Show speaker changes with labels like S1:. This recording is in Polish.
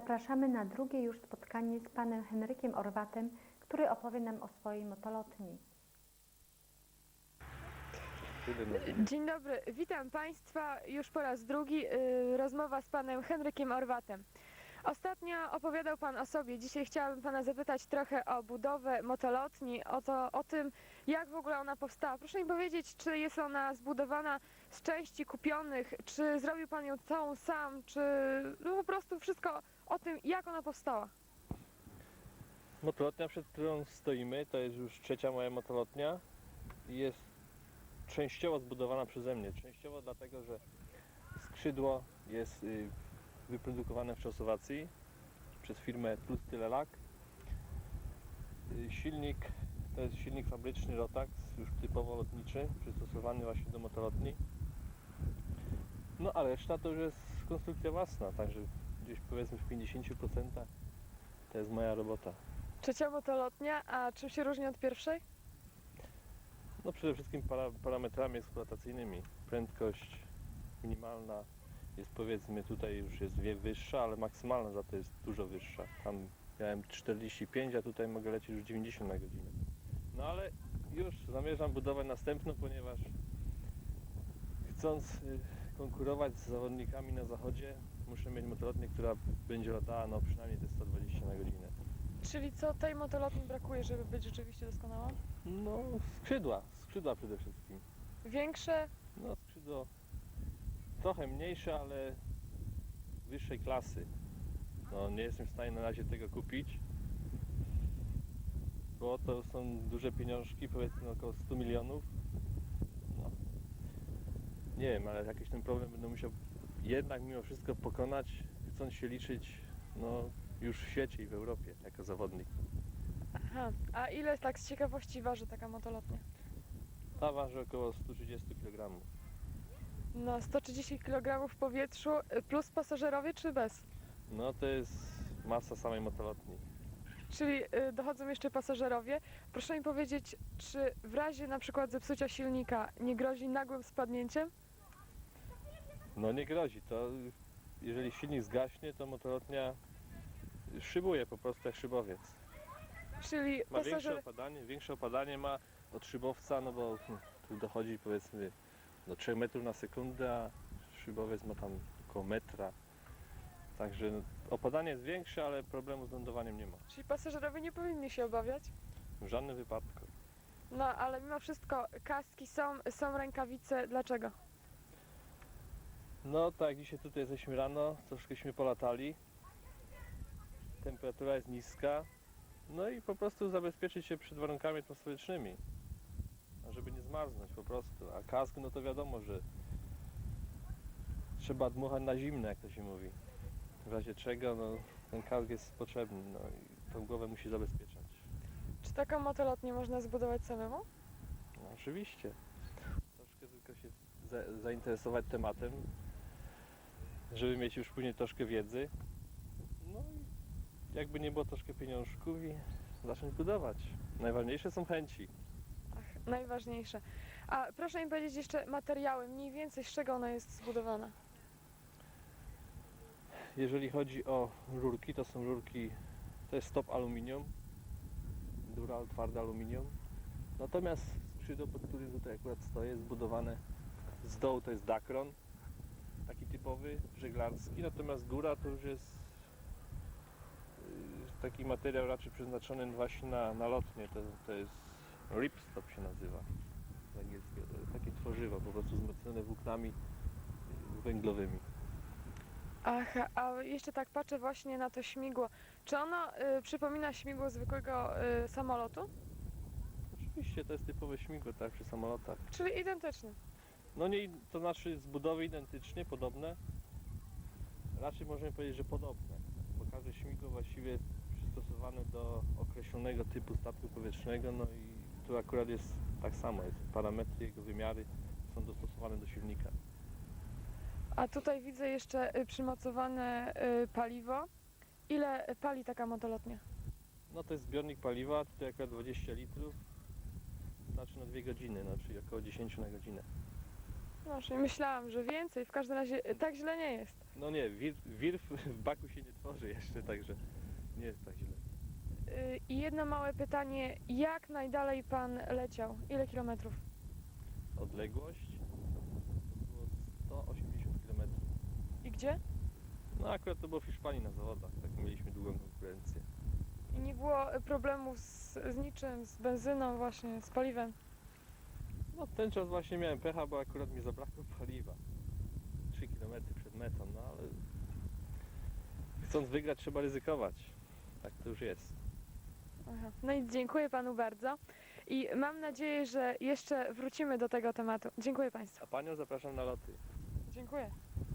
S1: Zapraszamy na drugie już spotkanie z panem Henrykiem Orwatem, który opowie nam o swojej motolotni.
S2: Dzień dobry, witam Państwa już po raz drugi. Rozmowa z panem Henrykiem Orwatem. Ostatnio opowiadał Pan o sobie. Dzisiaj chciałabym Pana zapytać trochę o budowę motolotni, o tym, jak w ogóle ona powstała. Proszę mi powiedzieć, czy jest ona zbudowana z części kupionych, czy zrobił Pan ją całą sam, czy no po prostu wszystko o tym, jak ona powstała.
S3: Motolotnia, przed którą stoimy, to jest już trzecia moja motolotnia i jest częściowo zbudowana przeze mnie. Częściowo dlatego, że skrzydło jest wyprodukowane w Czechosłowacji przez firmę Tlusty-Lelak. Silnik to jest silnik fabryczny Rotax, już typowo lotniczy, przystosowany właśnie do motolotni. No a reszta to już jest konstrukcja własna, także gdzieś powiedzmy w 50% to jest moja robota.
S2: Trzecia motolotnia, a czym się różni od pierwszej?
S3: No przede wszystkim parametrami eksploatacyjnymi. Prędkość minimalna jest, powiedzmy, tutaj już jest wyższa, ale maksymalna za to jest dużo wyższa. Tam miałem 45, a tutaj mogę lecieć już 90 na godzinę. No ale już zamierzam budować następną, ponieważ chcąc konkurować z zawodnikami na zachodzie, muszę mieć motolotnię, która będzie latała no przynajmniej te 120 na godzinę.
S2: Czyli co tej motolotni brakuje, żeby być rzeczywiście doskonała?
S3: No skrzydła przede wszystkim.
S2: Większe?
S3: No skrzydło trochę mniejsze, ale wyższej klasy. No nie jestem w stanie na razie tego kupić, bo to są duże pieniążki, powiedzmy około 100 milionów. No. Nie wiem, ale jakiś ten problem będę musiał jednak mimo wszystko pokonać, chcąc się liczyć no, już w świecie i w Europie jako zawodnik.
S2: Aha, a ile tak z ciekawości waży taka motolotnia?
S3: Ta waży około 130 kg.
S2: Na 130 kg w powietrzu plus pasażerowie czy bez?
S3: No to jest masa samej motolotni.
S2: Czyli dochodzą jeszcze pasażerowie. Proszę mi powiedzieć, czy w razie na przykład zepsucia silnika nie grozi nagłym spadnięciem?
S3: No nie grozi, to jeżeli silnik zgaśnie, to motolotnia szybuje po prostu jak szybowiec.
S2: Czyli
S3: Ma
S2: pasażer...
S3: większe opadanie ma od szybowca, no bo tu dochodzi powiedzmy do 3 metrów na sekundę, a szybowiec ma tam około metra. Także no, opadanie jest większe, ale problemu z lądowaniem nie ma.
S2: Czyli pasażerowie nie powinni się obawiać?
S3: W żadnym wypadku.
S2: No, ale mimo wszystko kaski są rękawice. Dlaczego?
S3: No tak jak dzisiaj tutaj jesteśmy rano, troszkęśmy polatali. Temperatura jest niska. No i po prostu zabezpieczyć się przed warunkami atmosferycznymi, żeby nie zmarznąć po prostu. A kask, no to wiadomo, że trzeba dmuchać na zimne, jak to się mówi. W razie czego, no, ten kask jest potrzebny, no i tą głowę musi zabezpieczać.
S2: Czy taką motolotnię można zbudować samemu?
S3: No, oczywiście. Troszkę tylko się zainteresować tematem, żeby mieć już później troszkę wiedzy. No i jakby nie było troszkę pieniążków i zacząć budować. Najważniejsze są chęci.
S2: Ach, najważniejsze. A proszę mi powiedzieć jeszcze materiały, mniej więcej z czego ona jest zbudowana?
S3: Jeżeli chodzi o rurki, to są rurki, to jest stop aluminium, dural, twarde aluminium. Natomiast skrzydło, pod którym tutaj akurat stoję, jest zbudowane z dołu, to jest Dacron, taki typowy, żeglarski, natomiast góra to już jest taki materiał raczej przeznaczony właśnie na lotnie, to jest ripstop się nazywa z angielskiego, to jest takie tworzywo po prostu wzmocnione włóknami węglowymi.
S2: Ach, a jeszcze tak patrzę właśnie na to śmigło. Czy ono przypomina śmigło zwykłego samolotu?
S3: Oczywiście to jest typowe śmigło, tak, przy samolotach.
S2: Czyli identyczne.
S3: No nie, to znaczy z budowy identycznie, podobne. Raczej możemy powiedzieć, że podobne, bo każde śmigło właściwie jest przystosowane do określonego typu statku powietrznego, no i tu akurat jest tak samo, jest parametry, jego wymiary są dostosowane do silnika.
S2: A tutaj widzę jeszcze przymocowane paliwo. Ile pali taka motolotnia?
S3: No to jest zbiornik paliwa, tutaj akurat 20 litrów, znaczy na 2 godziny, no, czyli około 10 na godzinę.
S2: No, czyli myślałam, że więcej, w każdym razie tak źle nie jest.
S3: No nie, wir w baku się nie tworzy jeszcze, także nie jest tak źle.
S2: I jedno małe pytanie, jak najdalej pan leciał? Ile kilometrów?
S3: Odległość to było 180 km.
S2: I gdzie?
S3: No akurat to było w Hiszpanii na zawodach, tak mieliśmy długą konkurencję.
S2: I nie było problemów z niczym, z benzyną właśnie, z paliwem.
S3: No ten czas właśnie miałem pecha, bo akurat mi zabrakło paliwa. 3 km przed metą, no ale chcąc wygrać trzeba ryzykować. Tak to już jest.
S2: Aha. No i dziękuję panu bardzo. I mam nadzieję, że jeszcze wrócimy do tego tematu. Dziękuję państwu.
S3: A panią zapraszam na loty.
S2: Dziękuję.